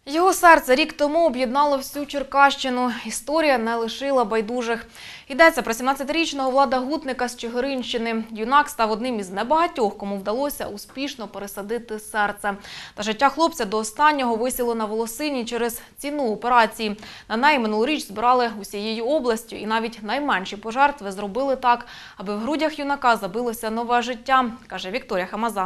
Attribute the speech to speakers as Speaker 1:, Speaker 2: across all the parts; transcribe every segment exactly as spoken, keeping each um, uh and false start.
Speaker 1: Його серце рік тому об'єднало всю Черкащину. Історія не лишила байдужих. Йдеться про сімнадцятирічного Влада Гутника з Чигиринщини. Юнак став одним із небагатьох, кому вдалося успішно пересадити серце. Та життя хлопця до останнього висіло на волосині через ціну операції. На неї минулоріч збирали усією областю, і навіть найменші пожертви зробили так, аби в грудях юнака забилося нове життя, каже Вікторія Хамаза.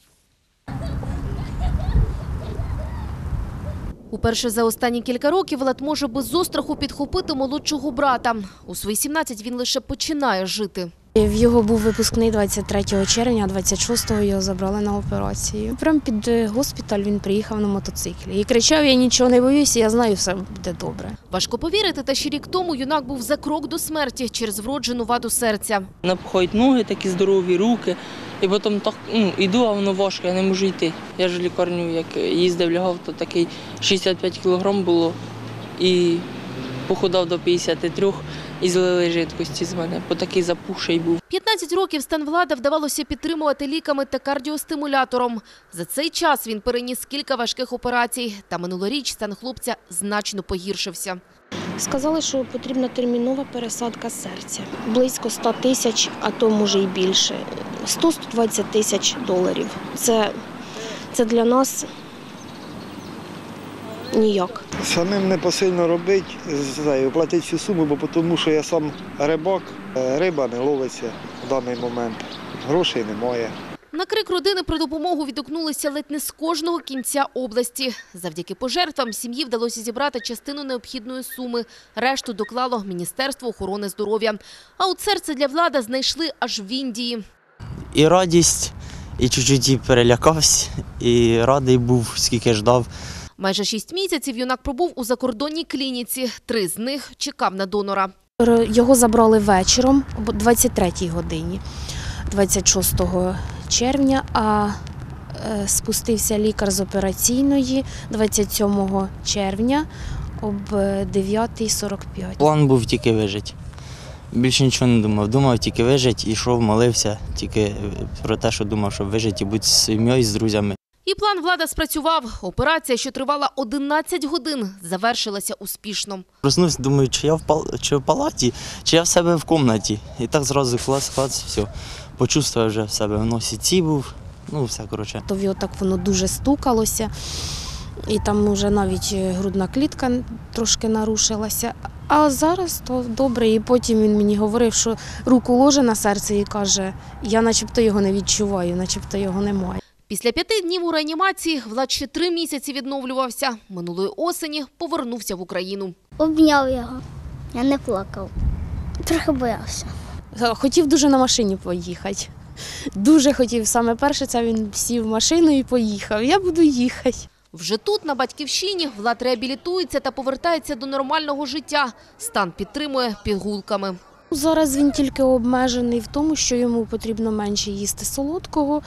Speaker 2: Уперше за останні кілька років Влад може без остраху підхопити молодшого брата. У свої сімнадцять він лише починає жити.
Speaker 3: В його був випускний двадцять третього червня, а двадцять шостого його забрали на операцію. Прямо під госпіталь він приїхав на мотоциклі. І кричав: "Я нічого не боюся, я знаю, все буде добре".
Speaker 2: Важко повірити, та ще рік тому юнак був за крок до смерті через вроджену ваду серця.
Speaker 4: Напхають ноги, такі здорові руки. І потім так, ну, йду, а воно важко, я не можу йти. Я ж в лікарню, як їздив, лягав, то такий шістдесят п'ять кілограм було. І похудав до п'ятдесят три і злили жидкості з мене, бо такий запухший був.
Speaker 2: п'ятнадцять років стан Влада вдавалося підтримувати ліками та кардіостимулятором. За цей час він переніс кілька важких операцій. Та минулоріч стан хлопця значно погіршився.
Speaker 3: Сказали, що потрібна термінова пересадка серця. Близько ста тисяч, а то може і більше. сто - сто двадцять тисяч доларів. Це, це для нас ніяк.
Speaker 5: Самим не посильно робити, платити всю суму, бо тому що я сам рибак, риба не ловиться в даний момент, грошей немає.
Speaker 2: На крик родини про допомогу відгукнулися ледь не з кожного кінця області. Завдяки пожертвам сім'ї вдалося зібрати частину необхідної суми. Решту доклало Міністерство охорони здоров'я. А от серце для Влада знайшли аж в Індії.
Speaker 6: І радість, і чуть-чуть перелякався, і радий був, скільки ждав.
Speaker 2: Майже шість місяців юнак пробув у закордонній клініці. Три з них чекав на донора.
Speaker 3: Його забрали вечором о двадцять третій годині, двадцять шостого червня, а спустився лікар з операційної двадцять сьомого червня об дев'ята сорок п'ять.
Speaker 6: План був тільки вижити. Більше нічого не думав. Думав тільки вижити, йшов, молився тільки про те, що думав, щоб вижити і бути з сім'єю, з друзями.
Speaker 2: І план Влада спрацював. Операція, що тривала одинадцять годин, завершилася успішно.
Speaker 6: Проснувся, думаю, чи я в, пал... чи в палаті, чи я в себе в кімнаті. І так зразу клас-клас, все. Почувствував вже в себе в носі ці був, ну все, коротше.
Speaker 3: То його так воно дуже стукалося, і там вже навіть грудна клітка трошки нарушилася. А зараз то добре, і потім він мені говорив, що руку ложе на серце і каже: "Я начебто його не відчуваю, начебто його немає".
Speaker 2: Після п'яти днів у реанімації Влад ще три місяці відновлювався. Минулої осені повернувся в Україну.
Speaker 7: Обняв його, я не плакав, трохи боявся.
Speaker 3: Хотів дуже на машині поїхати. Дуже хотів. Саме перше, це він сів в машину і поїхав. Я буду їхати.
Speaker 2: Вже тут, на батьківщині, Влад реабілітується та повертається до нормального життя. Стан підтримує пігулками.
Speaker 3: Зараз він тільки обмежений в тому, що йому потрібно менше їсти солодкого.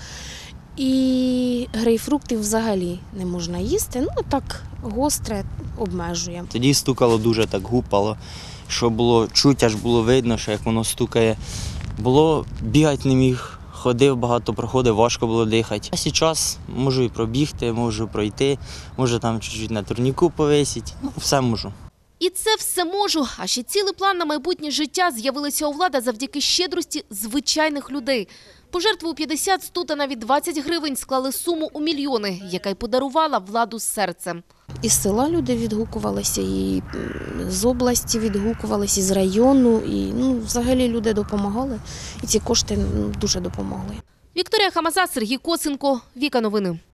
Speaker 3: І грейпфруктів взагалі не можна їсти. Ну так, гостре обмежує.
Speaker 6: Тоді стукало дуже, так гупало, що було чуть, аж було видно, що як воно стукає. Було, бігати не міг, ходив багато, проходив, важко було дихати. А зараз можу і пробігти, можу пройти, можу там чуть-чуть на турніку повисіти, ну все можу.
Speaker 2: І це все можу. А ще цілий план на майбутнє життя з'явилися у Влада завдяки щедрості звичайних людей. Пожертви у п'ятдесят, сто та навіть двадцять гривень склали суму у мільйони, яка й подарувала Владу з серцем.
Speaker 3: Із села люди відгукувалися, і з області відгукувалися, і з району. І ну, взагалі люди допомагали, і ці кошти дуже допомогли.
Speaker 2: Вікторія Хамаза, Сергій Косенко, Віка Новини.